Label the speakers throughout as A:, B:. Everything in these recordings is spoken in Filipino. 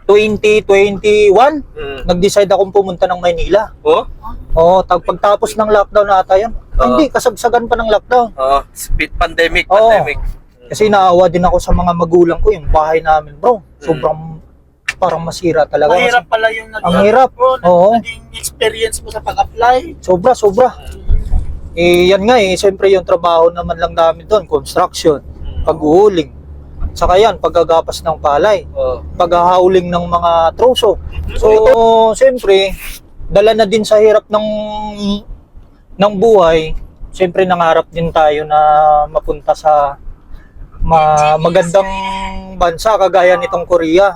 A: 2021, nag-decide akong pumunta ng Maynila. Pagtapos ng lockdown ata yun. Hindi, kasagsagan pa ng lockdown.
B: Speed pandemic.
A: Kasi naawa din ako sa mga magulang ko, yung bahay namin, bro. Sobrang parang masira talaga.
C: Mahirap pala yung
A: ang hirap.
C: naging experience mo sa pag-apply.
A: Sobra. Yan nga siyempre yung trabaho naman lang namin doon, construction, pag-uuling. Saka yan, paggagapas ng palay, paghahauling ng mga troso. So, siyempre, dala na din sa hirap ng buhay, siyempre nangarap din tayo na mapunta sa magandang bansa kagaya nitong Korea.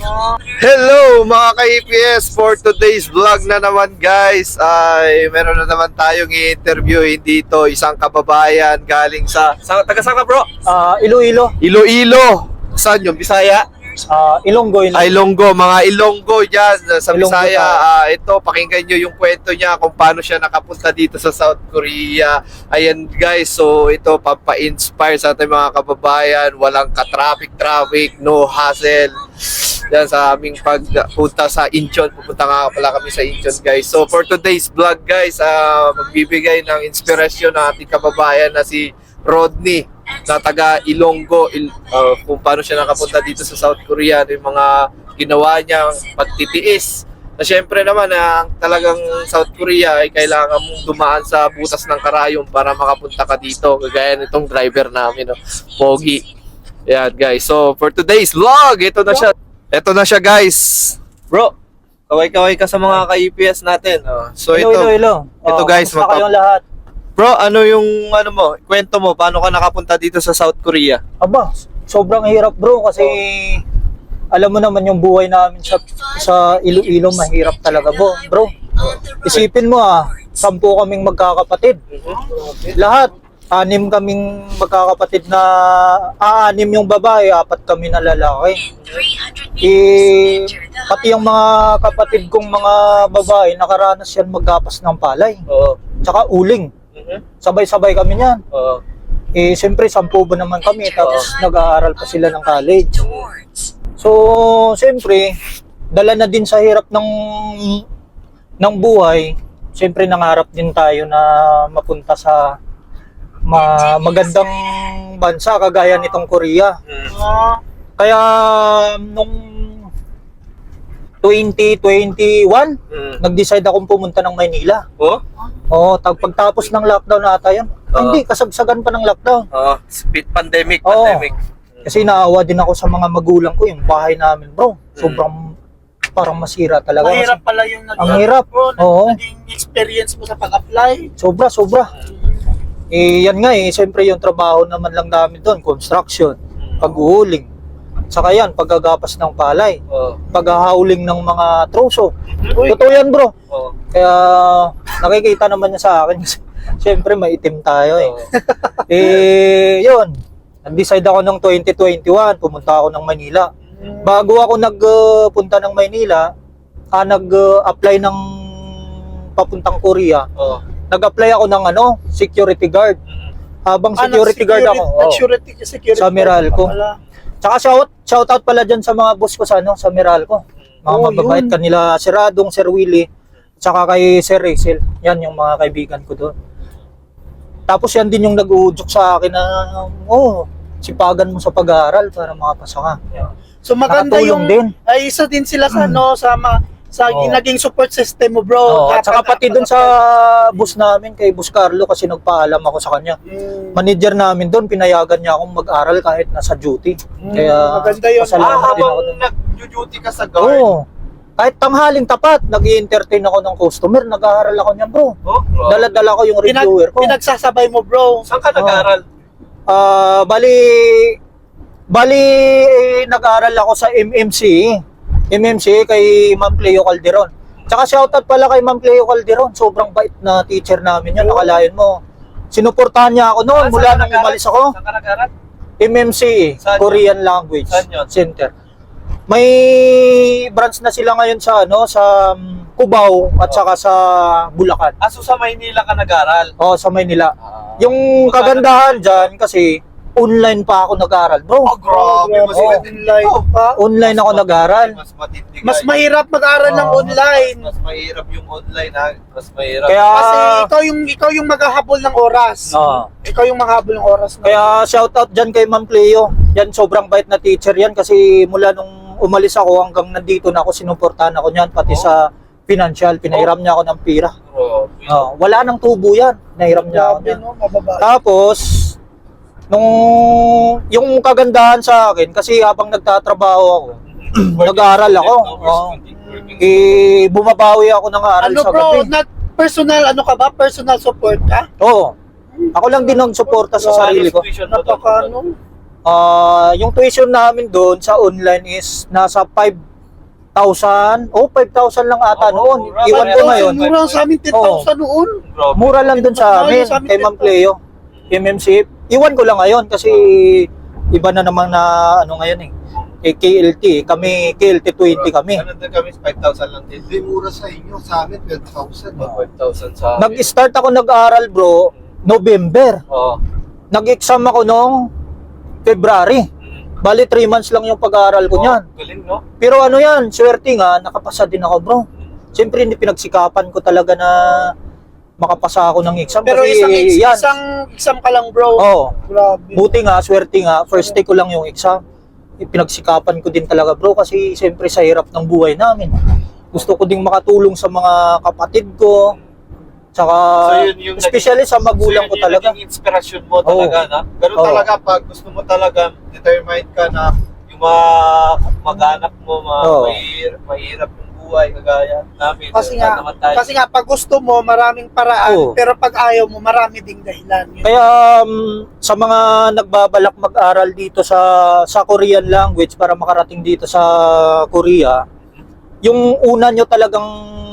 B: Hello mga ka-EPS, for today's vlog na naman guys ay meron na naman tayong i-interviewin dito isang kababayan galing taga saan ka bro?
A: Iloilo.
B: Iloilo. Saan yung Bisaya?
A: Ilonggo.
B: Ilonggo, mga Ilonggo dyan sa
A: Ilonggo
B: Bisaya. Ito, pakinggan nyo yung kwento niya kung paano siya nakapunta dito sa South Korea. Ayan guys, so ito pampa-inspire sa ating mga kababayan. Walang ka-traffic, no hassle. Yan sa aming pagpunta sa Incheon. Pupunta nga pala kami sa Incheon guys. So for today's vlog guys, magbibigay ng inspirasyon ng ating kababayan na si Rodney na taga Ilonggo, kung paano siya nakapunta dito sa South Korea, yung mga ginawa niyang pagtitiis. Na syempre naman talagang South Korea ay kailangan mong dumaan sa butas ng karayom para makapunta ka dito. Kagaya nitong driver namin, no? Pogi. Yan guys. So for today's vlog, ito na siya guys. Bro, kaway-kaway ka sa mga ka-EPS natin. So
A: Ilo.
B: Ito guys,
A: kumusta kayong lahat?
B: Bro, ano yung kwento mo? Paano ka nakapunta dito sa South Korea?
A: Aba, sobrang hirap bro kasi alam mo naman yung buhay namin sa Iloilo, mahirap talaga bro. Isipin mo 10 kaming magkakapatid. Lahat, 6 kaming magkakapatid na 6 yung babae, 4 kami na lalaki. Pati yung mga kapatid kong mga babae, nakaranas yan maggapas ng palay. Tsaka uling. Sabay-sabay kami niyan. Siyempre, 10 ba naman kami, tapos nag-aaral pa sila ng college. So, siyempre, dala na din sa hirap ng buhay, siyempre nangarap din tayo na mapunta sa magandang bansa kagaya nitong Korea. Kaya nung 2021, nag-decide akong pumunta ng Maynila. Pagtapos ng lockdown ata yun. Hindi, kasagsagan pa ng lockdown.
B: Speed pandemic.
A: Kasi naawa din ako sa mga magulang ko, yung bahay namin bro. Sobrang parang masira talaga.
C: Mahirap pala yung
A: naging
C: experience mo sa pag-apply.
A: Sobra. Yan nga siyempre yung trabaho naman lang namin doon, construction, pag-uuling. Saka yan, paggagapas ng palay, paghahauling ng mga troso. Totoo yan bro. Kaya nakikita naman niya sa akin. Siyempre maitim tayo Yun, nag-decide ako ng 2021, pumunta ako ng Manila. Bago ako nagpunta ng Maynila, nag-apply ng papuntang Korea. Nag-apply ako ng security guard. Habang security guard ako
C: Security
A: sa Meralco. Tsaka shout out pala dyan sa mga boss ko sa Meralco. Mga mababait kanila, Sir Adong, Sir Willie, tsaka kay Sir Rachel. Yan yung mga kaibigan ko doon. Tapos yan din yung nag-uudyok sa akin na, sipagan mo sa pag-aaral para makapasa ka.
C: So maganda yung
A: din.
C: Ay isa din sila sa naging support system mo bro.
A: At saka pati dun sa boss namin, kay Boss Carlo, kasi nagpaalam ako sa kanya. Manager namin doon, pinayagan niya akong mag-aral kahit nasa duty. Kaya
C: maganda yun.
A: pasalamat din ako doon.
B: Nag-duty ka sa guard?
A: Kahit tanghaling tapat, nag-i-entertain ako ng customer, nag-aaral ako niyan bro. Dala-dala ko yung reviewer ko.
C: Pinagsasabay mo bro.
B: Saan ka nag-aaral?
A: Bali, nag-aaral ako sa MMC kay Ma'am Cleo Calderon. Tsaka shoutout pala kay Ma'am Cleo Calderon. Sobrang bait na teacher namin yun. Nakalain mo. Sinuportahan niya ako noon mula nang umalis ako.
B: Saan ka nag-aaral?
A: MMC, Korean Language Center. May branch na sila ngayon sa Cubao at saka sa Bulacan.
B: So sa Maynila ka nag-aaral?
A: Sa Maynila. Yung kagandahan dyan kasi online pa ako nag-aaral, bro.
B: Grabe, mas
C: Oo,
B: matindi
C: online
B: to.
C: pa.
A: Online ako nag-aaral.
B: Mas matindi,
C: Mas
B: guys.
C: mahirap mag-aral ng
A: Oo.
C: online.
B: Mas mahirap yung online, ha? Mas mahirap.
A: Kaya,
C: Kasi ikaw yung maghahabol ng oras.
A: Oo.
C: Ikaw yung maghahabol ng oras.
A: Kaya shoutout dyan kay Ma'am Cleo. Yan, sobrang bait na teacher yan kasi mula nung umalis ako hanggang nandito na ako, sinuportahan ako niyan, pati sa financial. Pinahiram niya ako ng pira.
B: Grabe.
A: Wala nang tubo yan. Pinahiram niya ako
C: Grabe,
A: niyan.
C: no? Mababa.
A: Tapos, yung kagandahan sa akin, kasi habang nagtatrabaho ako, nag-aaral ako. Bumabawi ako ng aral
C: Ano
A: sa
C: bro,
A: gabi.
C: personal, ano ka ba? Personal support ka?
A: Oo. Ako lang din nagsuporta sa sarili ko.
C: Napaka, ano?
A: Yung tuition namin doon sa online is nasa 5,000. 5,000 lang ata noon.
B: mura.
A: Iwan ko ngayon.
C: Mura sa amin 10,000 noon.
A: Mura lang doon sa amin,
C: Sa amin,
A: kay Ma'am Cleo. MMC. Iwan ko lang ngayon kasi iba na naman na ano ngayon eh. KLT. Kami, KLT 20 kami.
B: Ano din kami, 5,000 lang din.
D: Hindi mura sa inyo, sa amin 12,000.
B: 5,000 sa amin.
A: Nag-start ako nag-aaral bro, November.
B: Oo.
A: Nag-exam ako noong February. Bali 3 months lang yung pag-aaral ko niyan.
B: Galing, no?
A: Pero ano yan, swerte nga, nakapasa din ako bro. Siyempre hindi pinagsikapan ko talaga na makapasa ako ng exam.
C: Pero
A: kasi yan.
C: isang exam ka lang bro.
A: Oo.
C: Grabe.
A: Buti nga, swerte nga, first day ko lang yung exam. Pinagsikapan ko din talaga bro kasi siyempre sa hirap ng buhay namin. Gusto ko ding makatulong sa mga kapatid ko. Tsaka, especially sa magulang ko talaga.
B: Yung inspirasyon mo talaga, na? Pero
A: Oo.
B: talaga, pag gusto mo talaga, determined ka na yung mga mag-anak mo,
A: Oo.
B: mahirap yung buhay, kagaya namin.
C: Kasi
B: Lahat
C: nga,
B: naman tayo.
C: kasi nga pag gusto mo, maraming paraan,
A: Oo.
C: pero pag ayaw mo, marami ding dahilan. Yun.
A: Kaya sa mga nagbabalak mag-aral dito sa Korean language para makarating dito sa Korea, yung una nyo talagang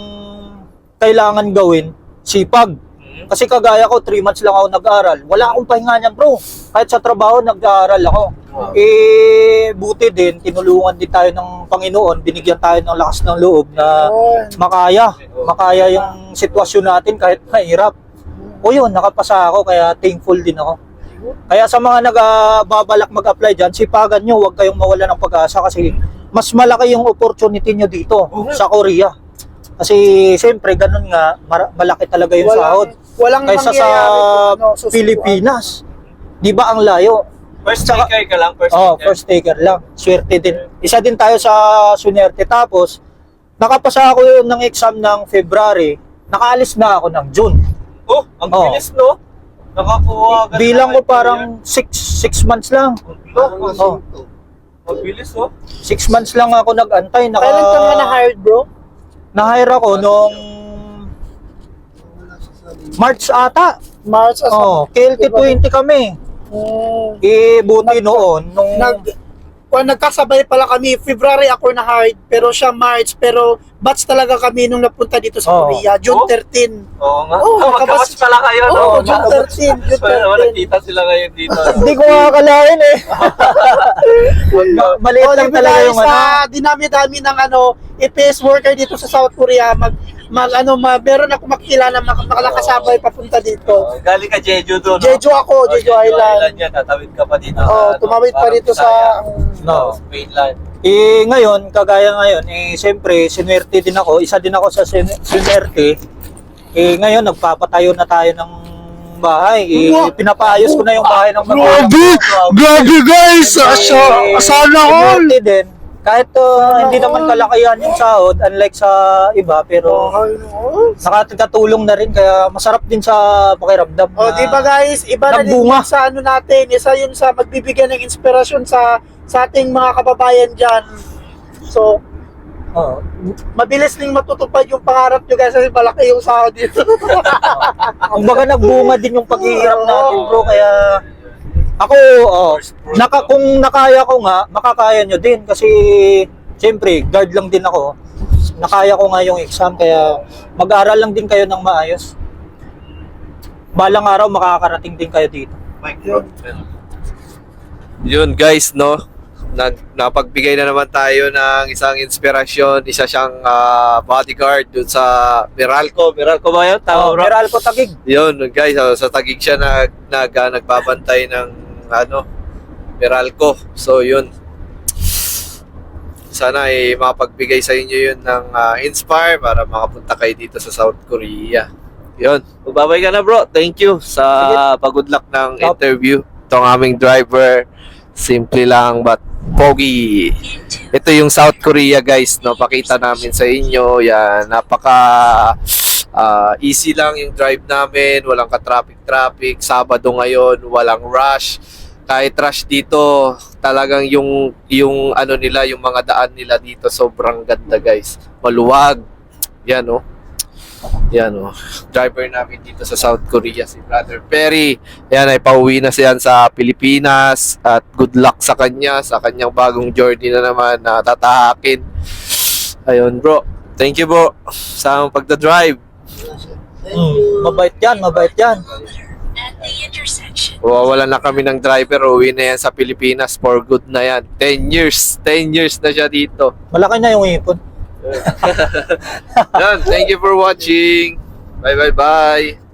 A: kailangan gawin, sipag. Kasi kagaya ko, 3 months lang ako nag-aral. Wala akong pahinga niyan bro. Kahit sa trabaho, nag-aaral ako.
B: Wow.
A: Buti din, tinulungan din tayo ng Panginoon. Binigyan tayo ng lakas ng loob na
C: Yun.
A: makaya yung sitwasyon natin kahit mahirap. O yun, nakapasa ako kaya thankful din ako. Kaya sa mga nagbabalak mag-apply dyan, sipagan nyo, huwag kayong mawala ng pag-asa kasi mas malaki yung opportunity nyo dito sa Korea. Kasi siyempre ganun nga, malaki talaga yung sahod.
C: Walang
A: Kaysa sa
C: susubuan.
A: Pilipinas. Di ba ang layo?
B: First taker ka lang, first taker.
A: First taker lang. Swerte din. Isa din tayo sa sunerte. Tapos, nakapasa ako yun ng exam ng February, nakaalis na ako ng June.
B: Oh, ang bilis, no? Nakakuha ka na
A: Bilang ko
B: ng
A: parang 6 months lang.
B: Oh, ang bilis, no?
A: 6 months lang ako nag-antay.
C: Kailan ka nga na-hired bro?
A: Na-hire ako nung March ata.
C: March as
A: KLT 20 kami. Buti noon, nung
C: nagkasabay pala kami. February ako na-hired, pero siya March. Pero batch talaga kami nung napunta dito sa
A: Oo.
C: Korea. June 13.
B: Oo nga.
C: Oo,
B: Magkabatch pala kayo, no?
C: Oo, June 13. June
B: So, naman,
C: 13.
B: nakita sila ngayon dito.
A: hindi ko makakalain eh. Maliit lang
C: Di ba
A: talaga
C: dahil
A: yung
C: sa dinami-dami ng EPS worker dito sa South Korea, meron ako makilala makalakasabay papunta dito.
B: Galing ka Jeju doon, no?
C: Jeju ako, Jeju Island.
B: yan. Tatawid ka pa dito.
C: Oh, tumawid pa
B: parang
C: dito sa
A: No.
B: mainland.
A: Ngayon, kagaya ngayon, siyempre, sinwerte din ako. Isa din ako sa sinwerte. Ngayon, nagpapatayo na tayo ng bahay. Pinapaayos ko na yung bahay ng magulang ko.
D: Grabe guys! Sana all!
A: Sinwerte din. Kahit hindi naman kalakihan yung sahod, unlike sa iba, pero nakatulong na rin. Kaya masarap din sa pakiramdam.
C: Oh, di ba guys, iba na din
A: nagbunga.
C: yun sa ano natin. Isa yun sa magbibigyan ng inspirasyon sa ating mga kababayan dyan. So, mabilis ding matutupad yung pangarap nyo guys kasi malaki yung sahod dito.
A: Kumbaga nagbunga din yung paghihirap natin bro. Kaya ako, kung nakaya ko nga, makakaya nyo din. Kasi siyempre, guard lang din ako. Nakaya ko nga yung exam. Kaya mag-aral lang din kayo ng maayos. Balang araw, makakarating din kayo dito.
B: Yun guys, no? Napagbigay na naman tayo ng isang inspirasyon. Isa siyang bodyguard dun sa Meralco. Meralco ba yun? Tama, bro?
A: Meralco Taguig.
B: Yun guys, sa Taguig siya nagbabantay ng Meralco. So yun, sana ay mapagbigay sa inyo yun ng inspire para makapunta kayo dito sa South Korea. Yun, babay ka na bro. Thank you sa pag-good luck ng interview. Itong aming driver, simple lang but pogi. Ito yung South Korea guys, no? Pakita namin sa inyo. Yan, napaka easy lang yung drive namin. Walang ka-traffic. Sabado ngayon, walang rush. Kahit rush dito, talagang yung ano nila, yung mga daan nila dito sobrang ganda guys. Maluwag. Yan oh. Yan oh. Driver namin dito sa South Korea si Brother Perry. Yan ay pauwi na siya sa Pilipinas at good luck sa kanyang bagong journey na naman na tatahakin. Ayun bro. Thank you bro sa pagda-drive.
A: Mabait yan.
B: Wala na kami ng driver, uwi na yan sa Pilipinas for good na yan. 10 years na siya dito.
A: Malaki na yung ipon.
B: Yan, thank you for watching. Bye.